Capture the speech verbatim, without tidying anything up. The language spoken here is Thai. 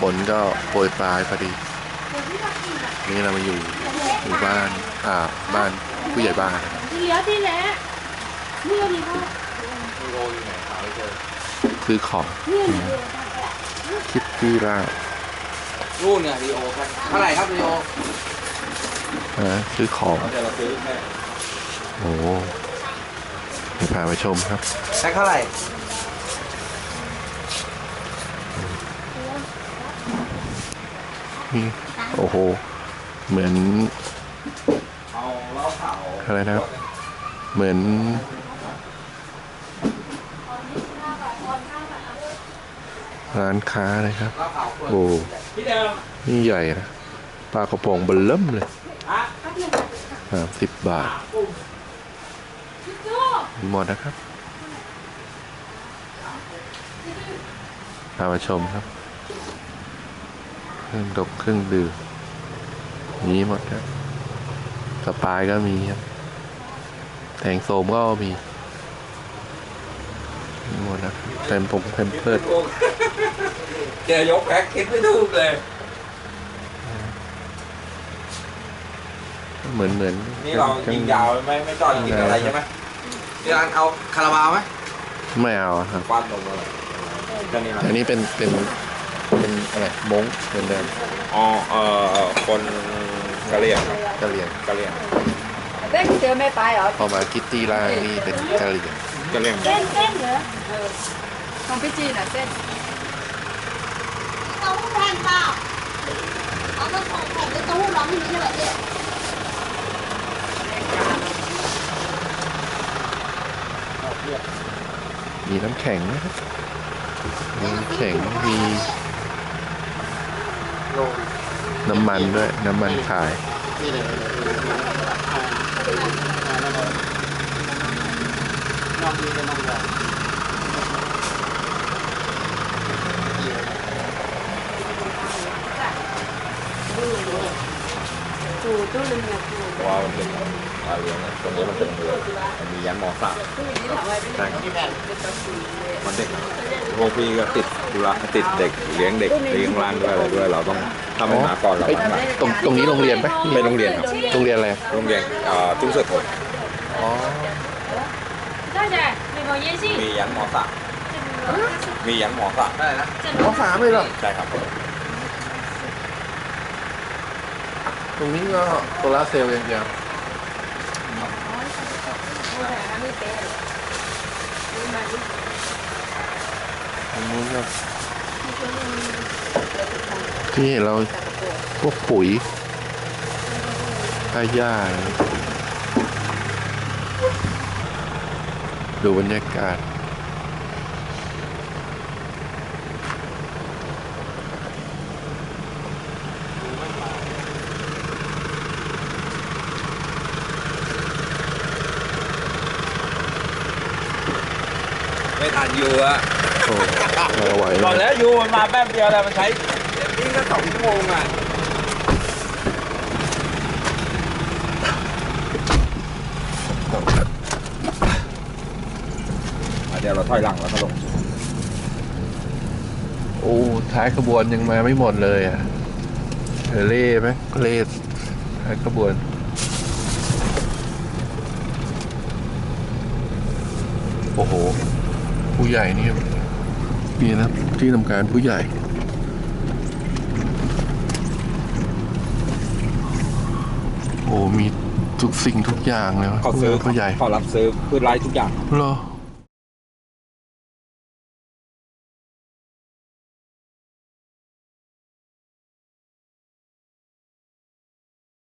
นก็โปรยปลายพอดีนี่เรามาอยู่หมู่บ้านอ่าบ้านผู้ใหญ่บ้านนะครับที่เหลือที่แหละเมื่อดีพ่อโรอยู่ไหนหาไม่เจอซื้อของเมื่อดีคิดที่ล่านู่นเนี่ยดีโอครับเท่าไหร่ครับดีโออ่าซื้อของเดี๋ยวเราซื้อแค่โอ้โหเดี๋ยวพาไปชมครับแค่เท่าไหร่นี่โอ้โหเหมือนเอาเหล้าขาวอะไรนะครับ เหมือนร้านค้าเลยครับเหล้าขาวโอ้พี่เดิมนี่ใหญ่นะปลากระพงเบลเริ่มเลยฮะสามสิบบาทมีหมดนะครับพามาชมครับเครื่องดกเครื่องดื่มมีหมดครับสปายก็มีครับแทงโสมก็มีมีหมดนะครับเต็มผมเต็มเพิดเจอยกแพ็คคิดไม่ถูกเลยเหมือนเหมือนนี่เรายิงยาวไม่ไม่จอดกินอะไรใช่ไหมที่ร้านเอาคาราบาวไหมไม่เอาอะครับควันลงมาเลยจะนี่อันนี้เป็นเป็นเป็นอะไรมงเหมือนเดิมอ๋อเอ่อคนกะเหรี่ยงครับกะเหรี่ยงกะเหรี่ยงเต้นเจอไม่ไปเหรอพอมาคิตตี้ล่างนี่เป็นกะเหรี่ยงกะเหรี่ยงเต้นเต้นเหรอของพี่จีนอ่ะเต้นเต้าหู้แผ่นเปล่าเอาก็ของแผ่นเป็นเต้าหู้ร้อนที่นี่ใช่ไหมเจ๊มีน้ำแข็งนะครับมีน้ำแข็งมีน้ำมันด้วยน้ำมันขายว่ามันเป็นปลาเลี้ยงนะตรงนี้มันเป็นเรือมันมียันมอสามใช่ครับมันเด็กพวกพี่ก็ติดธุระติดเด็กเลี้ยงเด็กเลี้ยงร้านด้วยอะไรด้วยเราต้องถ้าไม่มาก่อนเราเอ้ยต้องมาตรงตรงนี้โรงเรียนไหมเป็นโรงเรียนครับโรงเรียนอะไรโรงเรียนเอ่อจุ้งเสือโถนอ๋อได้จ้ะ美国烟信มียันมอสามมียันมอสามได้นะมสามเลยเหรอใช่ครับตรงนี้ก็โซลาร์เซลล์อย่างเดียวตรงนู้นก็ที่เห็นเราพวกปุ๋ยค่าหญ้าอะไรดูบรรยากาศไม่ทันยูอะโอ้เราไหวก่อนแล้วยูมันมาแป๊บเดียวแล้วมันใช้ยิ่งก็สองชั่วโมงอ่ะเดี๋ยวเราถอยหลังแล้วก็ลงโอ้ท้ายขบวนยังมาไม่หมดเลยอ่ะเออเล่ไหมเล่ท้ายขบวนโอ้โหผู้ใหญ่นี่นี่นะที่ทำการผู้ใหญ่โอ้มีทุกสิ่งทุกอย่างเลยวะเขาซื้อผู้ใหญ่เขารับซื้อพืชไร่ทุกอย่างเหรอ